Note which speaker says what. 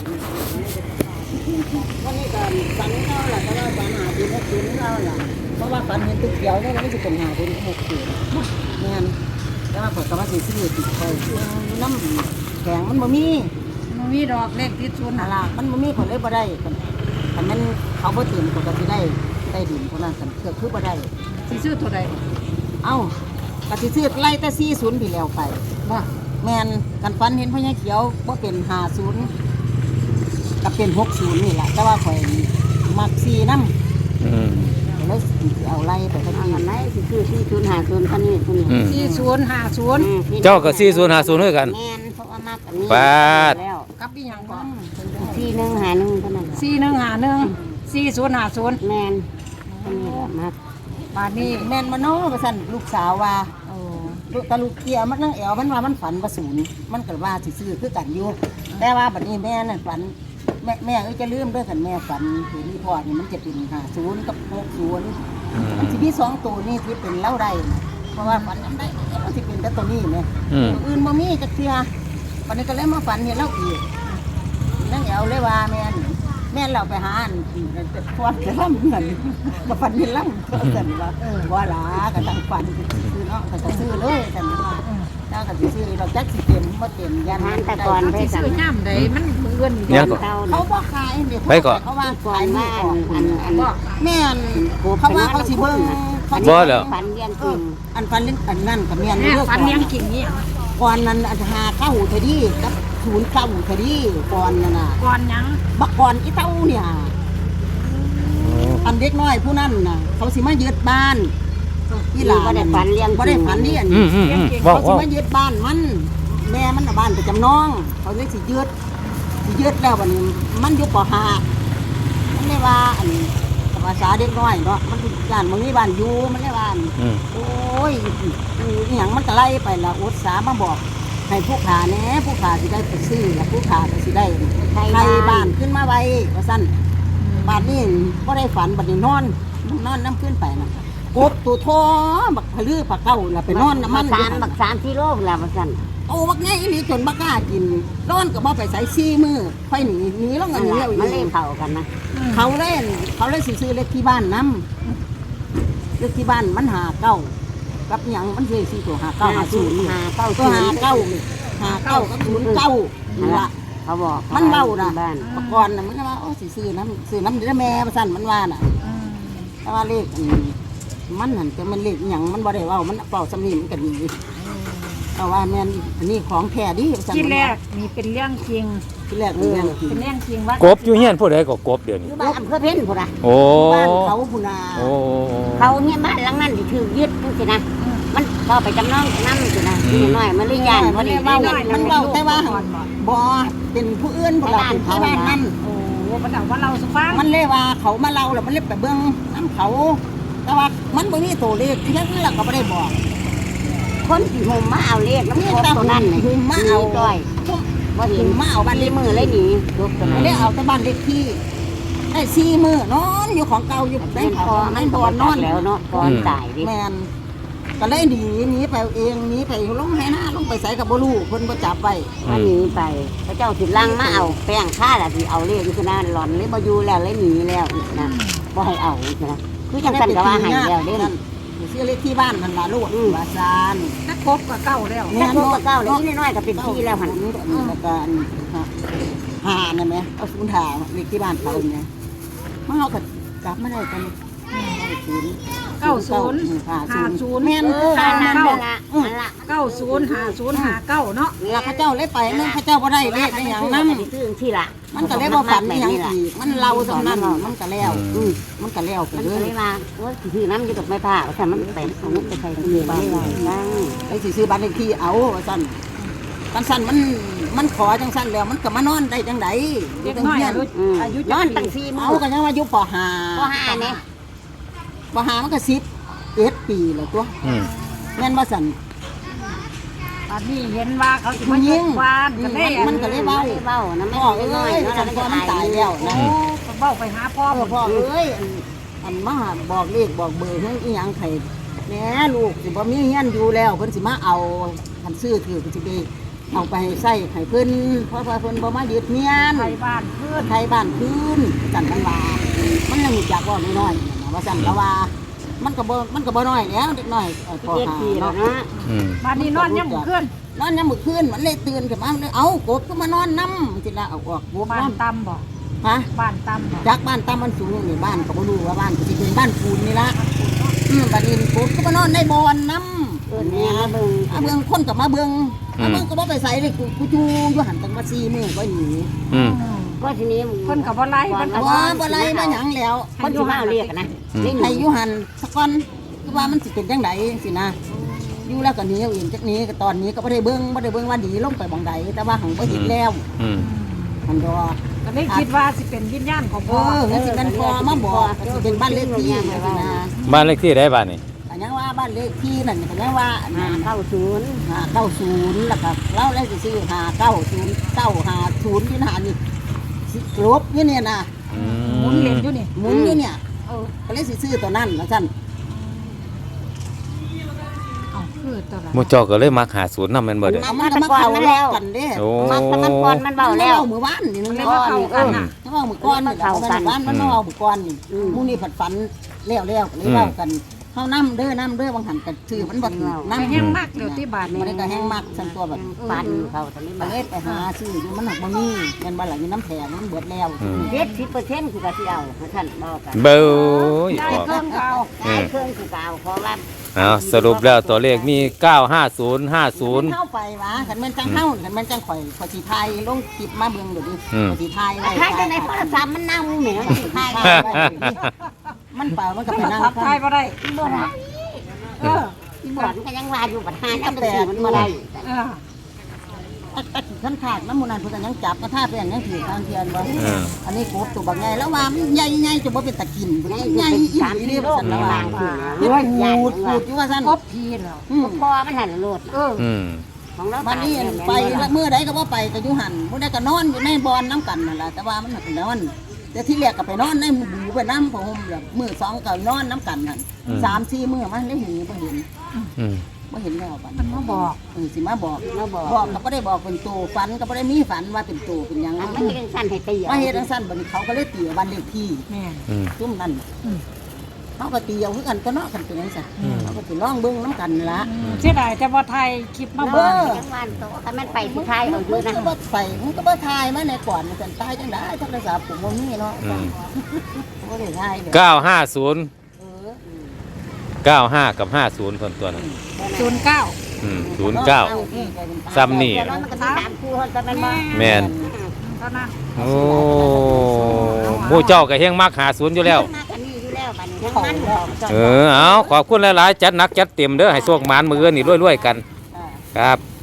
Speaker 1: วันนี้ก็ฝันเขาแหละแต่ว่าฝันหาดีนักดีเขาแหละเพราะว่าฝันเห็นตึกเขียวเนี่ยมันจะเป็นหาดีนักดีแม่นแต่ว่าผมก็ว่าสิซื้อติดคอยน้ำแข็งมันบ่มี
Speaker 2: มันมีดอกเลขติดศูนย์
Speaker 1: อะไรมันบ่มีผลเลยบ่ได้แต่มันเขาบ่ตื่นก็สิได้ดินคนนั้นกันคือบ่ได้
Speaker 2: สิซื้อตัวใด
Speaker 1: เอ้าก็สิซื้อไล่แต่40ที่แล้วไป
Speaker 2: บ่
Speaker 1: แม่นกันฝันเห็นพญาเขียวบ่เป็น50ก็เป็น60นี่แหละแต่ว่าข่อยมัก4นำแล้วเอาไล่ไปทั้งนี้อันไหนสิคือ4050คันนี้คนนี้
Speaker 2: 4050
Speaker 3: เจ้าก็4050ด้วยกัน
Speaker 1: แม่นเพราะว่ามักอันนี้
Speaker 3: ปาด
Speaker 1: แล้ว
Speaker 2: กับอีหยังบ่
Speaker 1: 4151เท่านั้น
Speaker 2: 4151 4050
Speaker 1: แม่นคนนี้มัก
Speaker 2: บาดนี้
Speaker 1: แม่นมาโน้ว่าซั่นลูกสาวว่า
Speaker 2: โอ้
Speaker 1: ลูกเกียมันนั่งแอวมันว่ามันฝันว่าศูนย์มันก็ว่าสิซื้อคือกันอยู่แต่ว่าบัดนี้แม่นั่นฝันแม่จะลืมเด้อกันแม่ฝันเห็นรีพอร์ตนี่มันจะเป็น50กับ60มันสิมี2ตัวนี่ที่เป็นเล่าได้นะเพราะว่าฝันจำได้มันสิเป็นแต่ตัวนี้แม่ตัวอื่นบ่มีจักเทื่อวันนี้ก็เลยมาฝันเห็นเล่าอีกนั่งแอวเลยว่าแม่เราไปหาอันพอดจะล่ำเหมือนมาฝันเห็นล่ำก็สั่นว่าว่าหลาก็ตั้งฝันซื้อเนาะก็จะซื้อเลยสั่นว่าถ้าก็สิซื้อเราจักสิเต็มบ่เต็มยันแต่ก่อน
Speaker 2: สิซื้อย่ำใดมันเอื้อน
Speaker 3: ยังก็
Speaker 1: เขาบ่ขายนี่
Speaker 3: ไปก่อน
Speaker 1: เขาว่าขายไม่ออก
Speaker 2: บ่
Speaker 1: แม่นเขาว่าเขาสิเบิ่ง
Speaker 3: บ่แล้ว
Speaker 1: ฝันเลี้ยงจริงอันฝันเลี้ยงอันนั่นก็แม่น
Speaker 2: แม่ฝันเลี้ยงกิ่งนี่
Speaker 1: ก่อนนั้นอันหาเข้าเทดีกับ0เข้าเทดีก่อนนั่นน่ะ
Speaker 2: ก่อนหยัง
Speaker 1: บักก่อนอีเต้าเนี่ยอันเด็กน้อยผู้นั้นน่ะเขาสิมายึดบ้านที่หลานบ่ได้ฝันเลี้ยงบ่ได้ฝันนี่อัน
Speaker 3: ว้าว
Speaker 1: เขาสิมายึดบ้านมันแม่มันน่ะบ้านประจำน้องเขาเลยสิยึดแล้วบัดนี้มันอยู่ป.5มันเลยว่าอันภาษาเด็กน้อยเนาะมันย่านมันมีบ้านอยู่มันเลยว่าโอ้ยอีหยังมันก็ไล่ไปละอุตสาห์มาบอกให้ผู้ขาแหน่ผู้ขาสิได้ไปซื้อแล้วผู้ขาก็สิได้ไทยบ้านขึ้นมาไว้ว่าซั่นบ้านนี้บ่ได้ฝันบัดนี้นอนน้ำขึ้นไปน่ะกบตัวท้อบักพลือปลาเก้าล่ะไปนอนน้ำมันบัก3กิโลล่ะว่าซั่นโอ้บักใหญ่อีหลีจนบ่กล้ากินนอนก็บ่ไปใส่4มื้อค่อยหนีลงอันนี้มันเล่นเข้ากันนะเขาเล่นสิซื้อเลขที่บ้านนำเลขที่บ้านมัน59กับหยังมันสิ4ตัว5950ตัว59กับ09นั่นล่ะเขาบอกมันเว้าน่ะก่อนน่ะมันว่าโอ้สิซื้อน้ำเด้อแม่ว่าซั่นมันว่าน่ะแต่ว่าเลขมันนั่นแต่มันเลขหยังมันบ่ได้เว้ามันเว้าสำนีมันก็ดีแต่ว่าแม่นอันนี้ของแท้ดิว่าซั่น
Speaker 2: ที่แรกนี่เป็นเรื่องจริง
Speaker 1: ที่แรกเป็นเรื่องจริง
Speaker 2: เป็นเรื่องจริงว่าก
Speaker 3: บอยู่เฮียนผู้ใดก็กบเดี๋ยวนี้
Speaker 1: บ้านอำเภอเพ็ญพุ่นน่ะ
Speaker 3: โอ้
Speaker 1: บ้านเขาพุ่นน่ะ
Speaker 3: โอ้
Speaker 1: เขาเนี่ยบ้านหลังนั้นสิถูกยึดจังซี่นะมันก็ไปจำนองนำสินะนี่น้อยมันเลยย่านบ่ได้เว้ามันเว้าแต่ว่าบ่เป็นผู้อื่นพุ่นล่ะเป็นที่บ้านนั้น
Speaker 2: โอ้มันเอาว่าเราสุฟัง
Speaker 1: มันเลยว่าเขามาเล่าแล้วมันเลยไปเบิ่งน้ำเขาแต่ว่ามันบ่มีตัวเลขที่นั้นเราก็บ่ได้บอกคนที่ห่มมาเอาเลขน้ำครบตัวนั้นนี่ห่มมาเอาก้อยบ่เห็นมาเอาบ้านเลขมือเลยหนีเลยเอาแต่บ้านเลขที่ได้4มื้อนอนอยู่ของเก่าอยู่ในเขาในบ่อนอนแล้วเนาะก่อนตายดิแม่นก็เลยหนีไปเองหนีไปลงให้หน้าลงไปใส่กับบ่รู้เพิ่นบ่จับไว้หนีไปพระเจ้าสิลังมาเอาแป้งค่าล่ะสิเอาเลขอยู่นะหล่อนเลยบ่อยู่แล้วเลยหนีแล้วนะบ่ให้เอานะคือจังซั่นก็ว่าให้แล้วเด้นั่นซื้อเลขที่บ้านมันล่ะลูกว่าซาน
Speaker 2: ถ้าครบก็เก้าแล้ว
Speaker 1: แม่นบ่เก้าเลยน้อยๆก็เป็นที่แล้วหั่นแล้วก็หานั่นแหมเอาศูนย์หาเลขที่บ้านเขาเนี่ยมันเฮาก็กลับมาได้กัน
Speaker 2: 9050
Speaker 1: แม่น
Speaker 2: 905059เนาะ
Speaker 1: แล้วเขาเจ้าเลยไปนึงเขาเจ้าบ่ได้เลขได้หยังนำซื้อที่ละมันก็เลยบ่ฝันอีหยังอีกมันเล่าซำนั้นมันก็แล้วมันก็แล้วไปเลยว่าว่าสิซื้อน้ำอยู่ดอกไม้ผ้าว่าซั่นมันไปเอาไปใส่ตู้บ้านได้ไอ้สิซื้อบ้านเลขที่เอาว่าซั่นกันซั่นมันขอจังซั่นแล้วมันก็มานอนได้จังได๋
Speaker 2: เด็กน้อยอายุ
Speaker 1: นอนตั้ง4มื้อเอาก็ยังว่าอยู่ป .5 นี่ป .5 มันก็11 ปีแล้วตัวแม่นบ่ซั่น
Speaker 2: ตอนนี้เห็นว่าเขาสิมายิงวานก็เลย
Speaker 1: มันก็เลยเว้านะแม่เอ้ยฉันก็มันตายแล้วนะ
Speaker 2: เว้าไปหาพ่อ
Speaker 1: พ่อเอ้ยอันมาบอกเลขบอกเบอร์ให้อีหยังไผแหน่ลูกสิบ่มีเฮียนอยู่แล้วเพิ่นสิมาเอาคันซื้อถือเพิ่นสิไปเอาไปให้ใส่ให้เพิ่นเพราะว่าเพิ่นบ่มายึดเมียน
Speaker 2: ไทยบ้านเพื่อน
Speaker 1: ไทยบ้านคืนจันมันว่ามันยังรู้จักว่าน้อยๆนะว่าซั่นละว่ามันก็บ่น้อยแล้วเด็กน้อยพอหาเนาะ
Speaker 3: อืม
Speaker 2: บ้านนี้นอนยังบ่ขึ้น
Speaker 1: นอนยามมื้อคืนมันเลยตื่นขึ้นมามันเลยเอากบก็มานอนนำสิละเอาออกกบ
Speaker 2: บ้าน
Speaker 1: นำ
Speaker 2: ตำบ่
Speaker 1: ฮะ
Speaker 2: บ้านตำบ่
Speaker 1: จากบ้านตามมันสูงนี่บ้านก็บ่รู้ว่าบ้านก็สิเป็นบ้านปูนนี่ละบัดนี้กบก็มานอนในบ่อนนำแม่เบิ่งคนก็มาเบิ่งก็บ่ไปใส่เลยกูจูอยู่หันตั้งว่า4มื้อก็หนี
Speaker 3: อืม
Speaker 4: ก็ทีนี้
Speaker 2: เพิ่นก็บ่ไล่เพิ่นก็
Speaker 1: บ่ไรมาหยังแล้ว
Speaker 4: คนที่มาเรียกนะ
Speaker 1: ให้อยู่หันสักก่อนคือว่ามันสิเป็นจังไดสินะอยู่แล้วก็หนีเอาเองจักหนี้ก็ตอนนี้ก็บ่ได้เบิ่งว่าดีลงไปบ่งใดแต่ว่าหังบ่เห็นแล้ว
Speaker 3: อืม
Speaker 1: มันดอก
Speaker 2: ก็เลยคิดว่าสิเป็นวิญญาณของ
Speaker 1: เอ
Speaker 2: พ่อ
Speaker 1: องั้นสิมันพอมาบอกก็สิเป็นบ้านเลขที่สินะ
Speaker 3: บ้านเลขที่ได้บ้านนี่
Speaker 1: ก็ยังว่าบ้านเลขที่นั่นก็ยังว่า
Speaker 4: 590
Speaker 1: 590แล้วก็เราเลยสิซื้อ590 950ที่หานี่สิลบอยู่เนี่ยนะ
Speaker 3: อื
Speaker 2: หมุนเล่นอยู่นี่
Speaker 1: หมุนอยู่เนี่ยก็เลยสิซื้อตัวนั้นว่าซั่น
Speaker 2: เอ้าคือตัวละ
Speaker 3: หมู่เจ้าก็เลยมักหาศูนย์นำแม่นบ่เด้อ
Speaker 1: เอามันก็มาเข้าแล้วกันเด้
Speaker 3: โอ้
Speaker 4: มันก่อนมันเบาแล้ว
Speaker 1: มือวานนี่นึง
Speaker 2: เลย
Speaker 1: เนาะ
Speaker 2: มาเข้ากันน่ะ
Speaker 1: ถ้าว่ามือก้อนนี่แหละมันบ้านมันเนาะมือก้อนนี่มูนี่ผัดฝันเลี้ยวก็เลยเล่ากันเฮาน้ำเด้อบางหันกันชื่อมันบ่ถูก
Speaker 2: น้ำ
Speaker 1: น้ำ
Speaker 2: แห้งมากเดี๋ยวที่บ้าน
Speaker 1: มัน
Speaker 2: นี่
Speaker 1: ก็แห้งมากซั่นตัวแบบ
Speaker 4: ปันเขาตอนนี้
Speaker 1: มาเลยไปหาซื้ออยู่มันหักบ่มีแม่นบ่ล่ะอยู่น้ำแข็งมันเบิดแล้ว
Speaker 4: 70%คือก็สิเอาท่านบอกกัน
Speaker 3: เบ้ย
Speaker 2: ได้
Speaker 3: ออก
Speaker 2: เครื่องเขา
Speaker 4: ได้เครื่องคือก็เอาเพราะว่า
Speaker 3: เอาสรุปแล้วตัวเลขมี 950 50
Speaker 1: เข้าไปวะคันแม่นจังเฮาคันแม่นจังข่อยสิถ่ายลงคลิปมาเบิ่งเดี๋ยวดิสิถ่ายไว้
Speaker 4: ถ้าจะในโทรศัพท์มันนั่งแหมสิทาย
Speaker 1: มันเปล่ามันก็
Speaker 2: โท
Speaker 1: ไป
Speaker 2: ร
Speaker 1: นั่ง
Speaker 2: ศัพท์ไทยบ่ได้
Speaker 4: บ่ได้
Speaker 2: เออ
Speaker 4: อีบ่อนก็ยังว่าอยู่บัดหาจังซี่มันบ่ได้
Speaker 2: เออ
Speaker 1: ท่านขาดน้ำมูนันเพิ่นก็ยังจับกระทาเป็นยังถือทางเทียนบ่
Speaker 3: เออ
Speaker 1: อันนี้กบตัวบักใหญ่แล้วว่ามันใหญ่ๆจะบ่เป็นตะกินใหญ่อีหลีเด้อซั่นแล้วว่าเฮ็ดพูดอยู่ว่าซั่น
Speaker 2: กบพีแล้ว
Speaker 4: พอมันหันโลด
Speaker 2: เออ
Speaker 3: อืม
Speaker 4: ของเรา
Speaker 1: บัดนี้ไปละมื้อใดก็บ่ไปก็อยู่หั่นมื้อใดก็นอนอยู่ในบ่อนน้ำกันนั่นล่ะแต่ว่ามันเป็นนอนแต่ที่แรกก็ไปนอนในหมู่ไปน้ำผ้าห่มแบบมื้อ2ก็นอนน้ำกันนั่น3-4มื้อมันเลยหนีบ่เห็น
Speaker 3: อืม
Speaker 1: บ่เห็นแล้วบัด
Speaker 2: มันมาบอก
Speaker 1: สิมาบอก
Speaker 4: เราบอก
Speaker 1: บอกก็บ่ได้บอกเป็นตัวฝันก็บ่ได้มีฝันว่าเป็นตัวเป็นหยัง
Speaker 4: มันเฮ็ดสั้นให้ตี
Speaker 1: มาเฮ็ดจังซั่นบัดนี้เขาก็เลยตีบ้านเลขที่
Speaker 2: แม่น
Speaker 3: อืม
Speaker 1: ซุ่มนั่นเขาก็ตีเอาคือกันก็เนาะกันเป็นจังซั่นเขาก็สิลองเบิ่งน้ำกันละ
Speaker 2: เสียดายแต่ว่าไทยคลิปมา
Speaker 4: เบิ่
Speaker 2: เบิ่ง
Speaker 4: งจังหวัดโตถ้ามันไปที่ไทยเอาอยู่
Speaker 1: มัน
Speaker 4: นะ
Speaker 1: ก็บ่ไปมันก็บ่ทายมาในก่อนมันกันตายจังได๋โทรศัพท์ผมบ่มีเนาะ
Speaker 3: อืม
Speaker 1: บ่ได้ทายเลย
Speaker 3: 950
Speaker 1: เออ
Speaker 3: 95 กับ 50คนตัวนั้น
Speaker 2: 09
Speaker 3: อืม09 ซ้ำนี่
Speaker 4: เดี๋ยวมันก็มี3คู่แต่มันบ่
Speaker 3: แม่น
Speaker 2: เท่านั้น
Speaker 3: โอ้หมู่เจ้าก็เฮงมักหาศูนย์อยู่แล้ว
Speaker 4: มากันนี่อยู่แล้วบัดนี้ทั้งมัน
Speaker 3: เอาขอบคุณหลายๆ จัดหนักจัดเต็มเด้อให้โชคหมานมือนี่รวยๆกัน ครับ